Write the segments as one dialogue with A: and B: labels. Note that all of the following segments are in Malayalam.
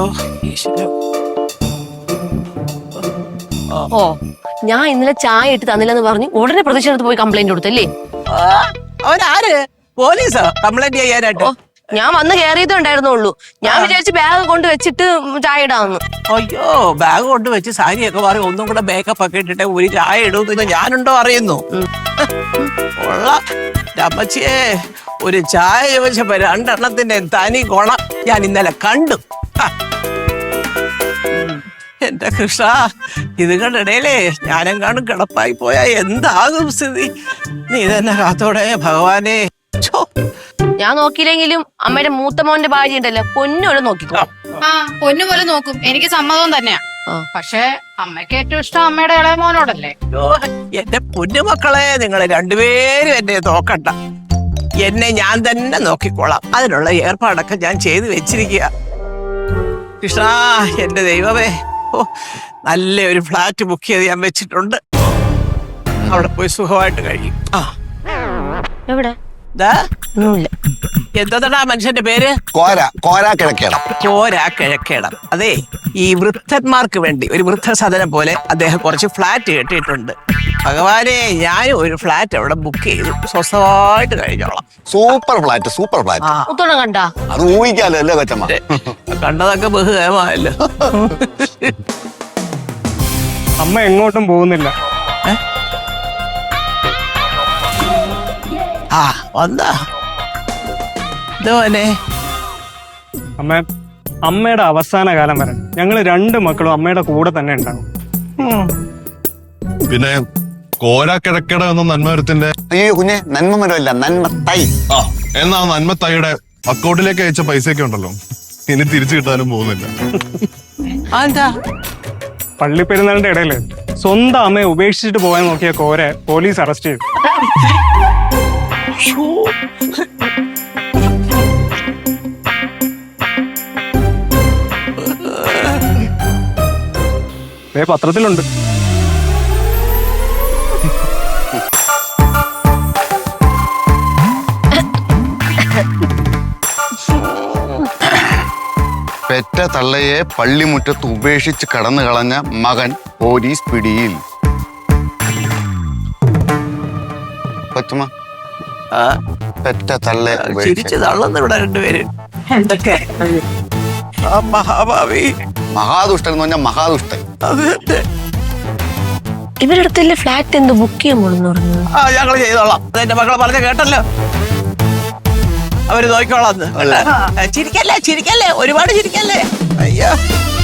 A: അയ്യോ ഈശ്വരോ.
B: ഓ ഞാൻ ഇന്നലെ ചായ ഇട്ട് തന്നില്ലെന്ന് പറഞ്ഞ് ഉടനെ പ്രതിഷേധത്ത് പോയി കംപ്ലൈന്റ് കൊടുത്തല്ലേ?
A: അവനാര്? പോലീസോ കംപ്ലൈന്റ് ചെയ്യാനായിട്ട്?
B: ഞാൻ വന്ന് കയറിയതേ ഉണ്ടായിരുന്നുള്ളൂ. ഞാൻ വിചാരിച്ച് ബാഗ് കൊണ്ട് വെച്ചിട്ട് ചായ ഇടാന്ന്.
A: അയ്യോ ബാഗ് കൊണ്ട് വെച്ച് സാരിയൊക്കെ മാറി ഒന്നും കൂടെ മേക്കപ്പ് ഒക്കെ ഇട്ടിട്ട് ഒരു ചായ ഇടുന്നു ഞാനുണ്ടോ അറിയുന്നു. അമ്മച്ചിയെ ഒരു ചായ ചോദിച്ചപ്പോ രണ്ടെണ്ണത്തിന്റെ തനി കൊണം ഞാൻ ഇന്നലെ കണ്ടു. എന്റെ കൃഷ്ണ, ഇത് കണ്ടിടയിലേ ഞാനെങ്ങാണ്ടും കിടപ്പായി പോയാ എന്താകും സ്ഥിതി? നീ തന്നെ കാത്തോടെ ഭഗവാനെ.
B: ഞാൻ നോക്കിയില്ലെങ്കിലും അമ്മയുടെ മൂത്ത മോന്റെ ഭാര്യ ഉണ്ടല്ലോ, പൊന്നുപോലെ നോക്കിക്കോ.
C: ആ പൊന്നുപോലെ നോക്കും, എനിക്ക് സമ്മതവും തന്നെയാ. പക്ഷെ അമ്മയ്ക്ക് ഏറ്റവും ഇഷ്ടം അമ്മയുടെ ഇളയ മോനോടല്ലേ.
A: എന്റെ പൊന്നുമക്കളെ, നിങ്ങളെ രണ്ടുപേരും എന്നെ നോക്കണ്ട, എന്നെ ഞാൻ തന്നെ നോക്കിക്കോളാം. അതിനുള്ള ഏർപ്പാടൊക്കെ ഞാൻ ചെയ്തു വെച്ചിരിക്കുക. കൃഷ്ണ എന്റെ ദൈവമേ, ഓ നല്ലൊരു ഫ്ലാറ്റ് ബുക്ക് ചെയ്ത് ഞാൻ വെച്ചിട്ടുണ്ട്. അവിടെ പോയി സുഖമായിട്ട് കഴിയും.
B: എവിടെ?
A: എന്താ മനുഷ്യന്റെ പേര്?
D: കോരാ
A: കിഴക്കേടം. അതെ, ഈ വൃദ്ധന്മാർക്ക് വേണ്ടി ഒരു വൃദ്ധസദനം പോലെ അദ്ദേഹം കുറച്ച് ഫ്ലാറ്റ് കെട്ടിയിട്ടുണ്ട്. ഭഗവാനെ, ഞാനും ഒരു ഫ്ലാറ്റ് അവിടെ ബുക്ക് ചെയ്തു, സ്വസ്ഥമായിട്ട് കഴിഞ്ഞോളാം.
D: സൂപ്പർ ഫ്ലാറ്റ്
B: കണ്ടാ
D: അത് ഊഹിക്കാലോ അല്ലേ കൊച്ചമ്മ?
A: കണ്ടതൊക്കെ ബഹുകരമായല്ലോ.
E: അമ്മ എങ്ങോട്ടും പോകുന്നില്ല.
A: ആ വന്നാ ഇതോനെ.
E: അമ്മയുടെ അവസാന കാലം വരെ ഞങ്ങള് രണ്ട് മക്കളും അമ്മയുടെ കൂടെ തന്നെ ഉണ്ടാകും.
F: പിന്നെ കോരാക്കിഴക്കട എന്ന നന്മമരത്തിന്റെ
D: അയ്യോ കുഞ്ഞെ, നന്മമരമല്ല, നന്മത്തൈ.
F: എന്നാ നന്മത്തൈയുടെ അക്കൗണ്ടിലേക്ക് അയച്ച പൈസയൊക്കെ ഉണ്ടല്ലോ, ഇനി തിരിച്ചു കിട്ടാനും പോകുന്നില്ല.
A: എന്താ?
E: പള്ളി പെരുന്നാളിന്റെ ഇടയില് സ്വന്തം അമ്മയെ ഉപേക്ഷിച്ചിട്ട് പോകാൻ നോക്കിയ കോരെ പോലീസ് അറസ്റ്റ് ചെയ്തു. പത്രത്തിലുണ്ട്.
D: പെറ്റ തള്ളയെ പള്ളിമുറ്റത്ത് ഉപേക്ഷിച്ച് കടന്നു കളഞ്ഞ മകൻ പോലീസ് പിടിയിൽ. കൊച്ചമ്മ, പെറ്റ തള്ളയെ
A: ചിരിച്ചു തള്ളുന്നു ഇവിടെ രണ്ടുപേര്. എന്തൊക്കെ മഹാഭാവി,
D: മഹാദുഷ്ടൻ എന്ന് പറഞ്ഞാൽ മഹാദുഷ്ടൻ.
B: ഇവരടുത്തല്ലേ ഫ്ലാറ്റ് എന്ത് ബുക്ക് ചെയ്യുമ്പോഴെന്ന് പറഞ്ഞു.
A: ഞങ്ങള് ചെയ്തോളാം. എന്റെ മക്കളെ പറഞ്ഞ കേട്ടല്ലോ, അവര് നോക്കിക്കോളാന്ന്. ചിരിക്കല്ലേ, ഒരുപാട് ചിരിക്കല്ലേ. അയ്യോ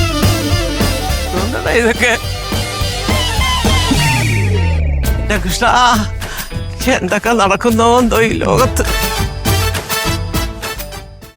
A: ഇതൊക്കെ എന്റെ കൃഷ്ണ, എന്തൊക്കെ നടക്കുന്നോ എന്തോ ഈ ലോകത്ത്.